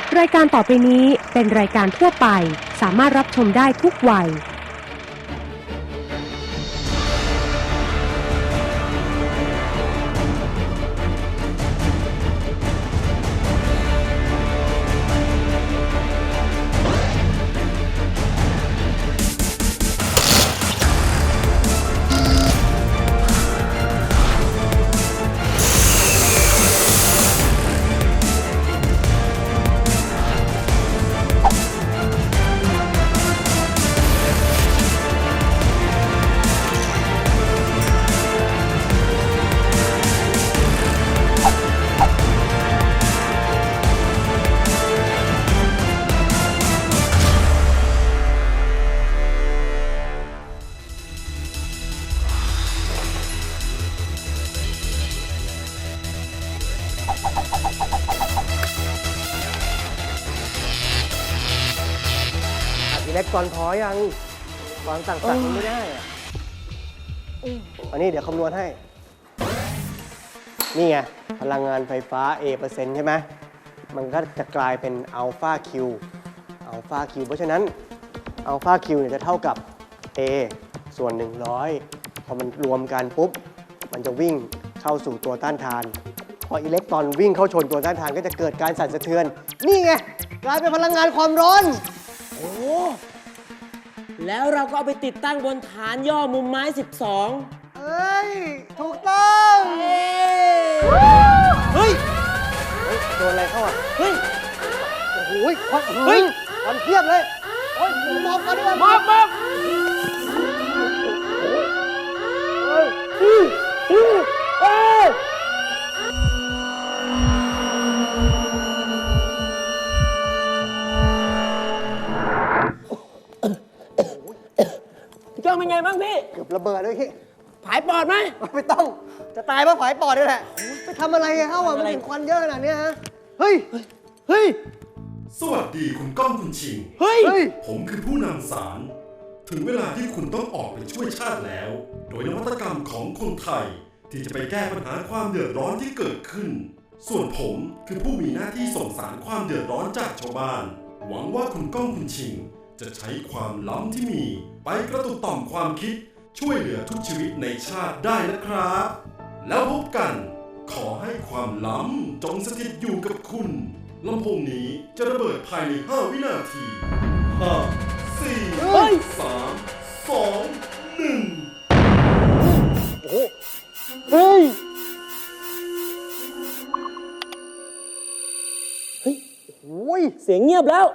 รายการต่อไปนี้เป็นรายการทั่วไปสามารถรับชมได้ทุกวัยทีเล็กก่อนพอยังวางสั่งไม่ได้อะอันนี้เดี๋ยวคำนวณให้ นี่ไง พลังงานไฟฟ้า A% ใช่ไหม มันก็จะกลายเป็นอัลฟาคิวเพราะฉะนั้นอัลฟาคิวเนี่ยจะเท่ากับ A ส่วน 100 พอมันรวมกันปุ๊บ มันจะวิ่งเข้าสู่ตัวต้านทาน พออิเล็กตรอนวิ่งเข้าชนตัวต้านทานก็จะเกิดการสั่นสะเทือน นี่ไง กลายเป็นพลังงานความร้อนโอ้แล้วเราก็เอาไปติดตั้งบนฐานย่อมุมไม้ 12 เอ้ย ถูกต้องเฮ้ยโดนอะไรเข้าอ่ะเฮ้ยโอ้โหควันควันเพียบเลย โอ้ยมอบกันด้วยมอบ พี่ก้องเป็นไงบ้างพี่เกือบระเบิดเลยพี่ผายปอดไหมไม่ต้อง จะตายเพราะผายปอดนี่แหละ ไปทำอะไรเข้าอ่ะ มันเห็นควันเยอะขนาดนี้ฮะ เฮ้ย เฮ้ยสวัสดีคุณก้องคุณชิงเฮ้ยเฮ้ยผมคือผู้นำสาร ถึงเวลาที่คุณต้องออกไปช่วยชาติแล้ว โดยนวัตกรรมของคนไทย ที่จะไปแก้ปัญหาความเดือดร้อนที่เกิดขึ้น ส่วนผมคือผู้มีหน้าที่ส่งสารความเดือดร้อนจากชาวบ้าน หวังว่าคุณก้องคุณชิง จะใช้ความล้ำที่มี ไปกระตุ้นต่อมความคิด ช่วยเหลือทุกชีวิตในชาติได้นะครับ แล้วพบกัน ขอให้ความล้ำจงสถิตอยู่กับคุณลำโพงนี้จะระเบิดภายใน 5 วินาที 5 เฮ้ย 4 3 2 1 โอ้โห เฮ้ยเฮ้ยโอ้ยเสียงเงียบแล้ว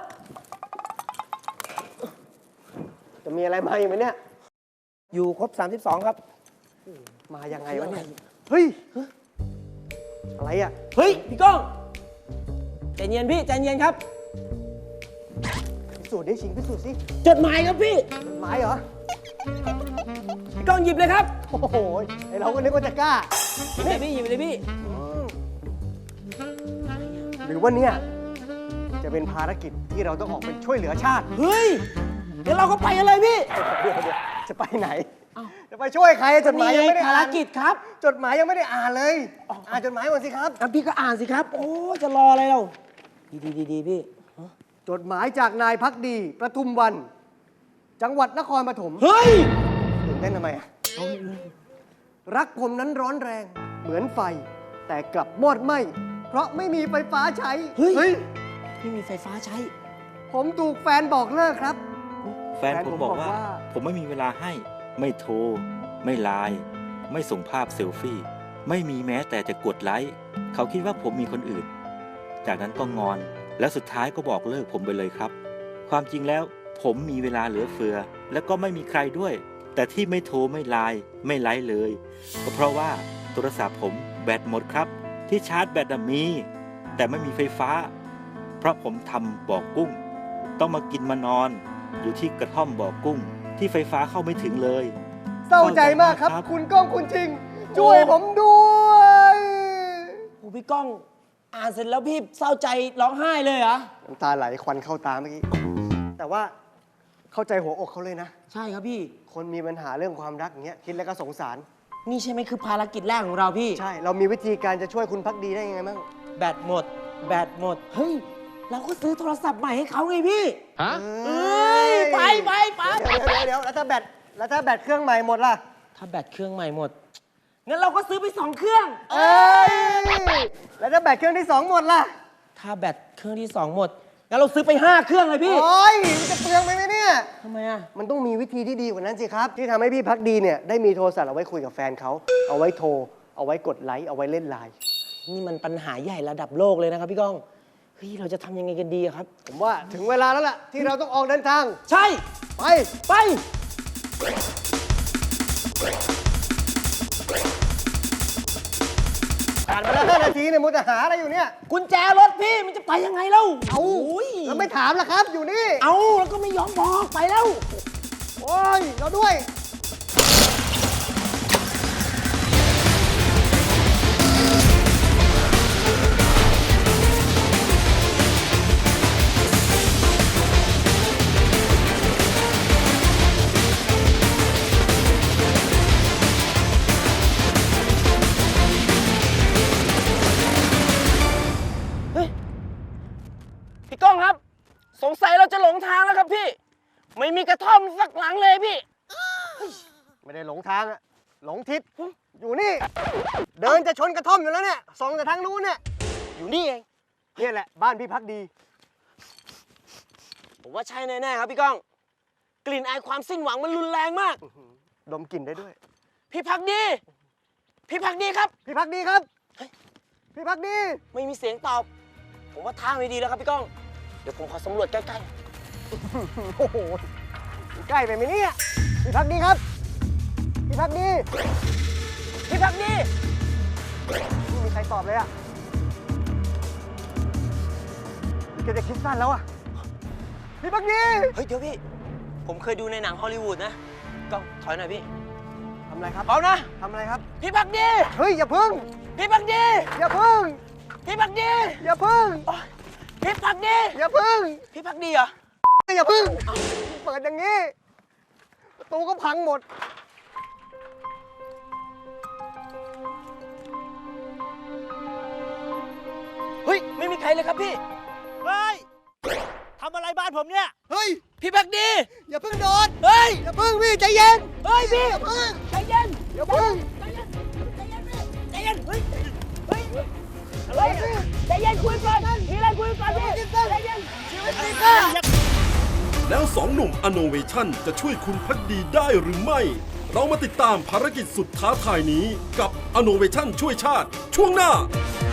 จะมีอะไรมาอีกไหมเนี่ยอยู่ครบ 32 ครับมายังไงวะเนี่ย เฮ้ย อะไรอ่ะเฮ้ย พี่ก้อง ใจเย็นพี่ ใจเย็นครับพิสูจน์ดิชิงพิสูจน์สิจดหมายครับพี่ไม้เหรอพี่ก้องหยิบเลยครับโอ้โหไอเราก็นึกว่าจะกล้าหยิบเลยพี่ หยิบเลยพี่หรือว่าเนี่ยจะเป็นภารกิจที่เราต้องออกไปช่วยเหลือชาติเฮ้ย เดี๋ยวเราก็ไปกันเลยพี่เดี๋ยวจะไปไหน จะไปช่วยใครจดหมายยังไม่ได้ภารอ่านกิจครับจดหมายยังไม่ได้อ่านเลย อ่านจดหมายก่อนสิครับพี่ก็อ่านสิครับ โอ้จะรออะไรเราดีพี่จดหมายจากนายพักดีประทุมวัน จังหวัดนครปฐมเฮ้ยตื่นเต้นทำไมอะรักผมนั้นร้อนแรงเหมือนไฟ แต่กลับมอดไหม้เพราะไม่มีไฟฟ้าใช้เฮ้ย ไม่มีไฟฟ้าใช้ผมถูกแฟนบอกเลิกครับแฟนผมบอกว่า ผมไม่มีเวลาให้ ไม่โทร ไม่ไลน์ไม่ส่งภาพเซลฟี่ ไม่มีแม้แต่จะกดไลค์ เขาคิดว่าผมมีคนอื่น จากนั้นก็งอน แล้วสุดท้ายก็บอกเลิกผมไปเลยครับ ความจริงแล้วผมมีเวลาเหลือเฟือ และก็ไม่มีใครด้วย แต่ที่ไม่โทรไม่ไลน์ไม่ไลค์เลย ก็เพราะว่าโทรศัพท์ผมแบตหมดครับ ที่ชาร์จแบตมี แต่ไม่มีไฟฟ้า เพราะผมทำบ่อกุ้ง ต้องมากินมานอน อยู่ที่กระท่อมบ่อกุ้ง ที่ไฟฟ้าเข้าไม่ถึงเลยเศร้าใจมากครับ คุณก้องคุณจริง ช่วยผมด้วยโอ้พี่ก้อง อ่านเสร็จแล้วพี่เศร้าใจร้องไห้เลยเหรอน้ำตาไหลควันเข้าตาเมื่อกี้ แต่ว่าเข้าใจหัวอกเขาเลยนะใช่ครับพี่คนมีปัญหาเรื่องความรักอย่างเงี้ยคิดแล้วก็สงสารนี่ใช่ไหมคือภารกิจแรกของเราพี่ใช่ เรามีวิธีการจะช่วยคุณพักดีได้ยังไงบ้างแบตหมด แบตหมด เฮ้ยเราก็ซื้อโทรศัพท์ใหม่ให้เขาไงพี่ฮะเอ้ยไปเดี๋ยวแล้วถ้าแบตเครื่องใหม่หมดล่ะถ้าแบตเครื่องใหม่หมด งั้นเราก็ซื้อไป2 เครื่องเอ้ยแล้วถ้าแบตเครื่องที่ 2 หมดล่ะถ้าแบตเครื่องที่ 2 หมด งั้นเราซื้อไป5 เครื่องเลยพี่โอ้ยมันจะเปลืองไปไหมเนี่ยทำไมอ่ะมันต้องมีวิธีที่ดีกว่านั้นสิครับ ที่ทำให้พี่พักดีเนี่ยได้มีโทรศัพท์เอาไว้คุยกับแฟนเขา เอาไว้โทร เอาไว้กดไลค์ เอาไว้เล่นไลน์นี่มันปัญหาใหญ่ระดับโลกเลยนะครับพี่ก้อง เฮ้ย เราจะทำยังไงกันดีอะครับผมว่าถึงเวลาแล้วล่ะที่เราต้องออกเดินทางใช่ไปไปผ่านมาแล้ว5 นาทีเนี่ยมุดหาอะไรอยู่เนี่ยกุญแจรถพี่มันจะไปยังไงเล่าเอาโอ้ยแล้วไม่ถามล่ะครับ อยู่นี่เอาแล้วก็ไม่ยอมบอกไปแล้วโอ้ย เราด้วยพี่ก้องครับ สงสัยเราจะหลงทางแล้วครับพี่ ไม่มีกระท่อมสักหลังเลยพี่ไม่ได้หลงทางอะหลงทิศ อยู่นี่ เดินจะชนกระท่อมอยู่แล้วเนี่ยส่องแต่ทางนู้นเนี่ยอยู่นี่เองเนี่ยแหละบ้านพี่พักดีผมว่าใช่แน่ๆครับพี่ก้อง กลิ่นอายความสิ้นหวังมันรุนแรงมากดมกลิ่นได้ด้วยพี่พักดี พี่พักดีครับพี่พักดีครับ พี่พักดีไม่มีเสียงตอบ ผมว่าทางไม่ดีแล้วครับพี่ก้อง เดี๋ยวผมขอสำรวจใกล้โอ้โห ใกล้ไปไหมเนี่ย พี่พักดีครับ พี่พักดีๆ พี่พักดีไม่มีใครตอบเลยอะนี่แกจะคิดสั้นแล้วอะพี่พักดีเฮ้ยเดี๋ยวพี่ ผมเคยดูในหนังฮอลลีวูดนะก้องถอยหน่อยพี่ทำอะไรครับพร้อมนะทำอะไรครับพี่พักดีเฮ้ย อย่าพึ่งพี่พักดีอย่าพึ่งพี่พักดีอย่าพึ่งโอ๊ยพี่พักดีอย่าพึ่งพี่พักดีเหรออย่าพึ่ง เปิดอย่างนี้ ประตูก็พังหมดเฮ้ย ไม่มีใครเลยครับพี่เฮ้ย ทำอะไรบ้านผมเนี่ยเฮ้ยพี่พักดีอย่าพึ่งโดนเฮ้ยอย่าพึ่งพี่ใจเย็นเฮ้ยพี่อย่าพึ่งใจเย็นอย่าพึ่งใจเย็นใจเย็นพี่ใจเย็นเฮ้ยเฮ้ยอะไรพี่ใจเย็นคุยก่อนมีอะไรคุยก่อนพี่ใจเย็นชีวิตจริงค่ะแล้วสองหนุ่มอโนเวชั่นจะช่วยคุณพักดีได้หรือไม่ เรามาติดตามภารกิจสุดท้าทายนี้กับอโนเวชั่นช่วยชาติช่วงหน้า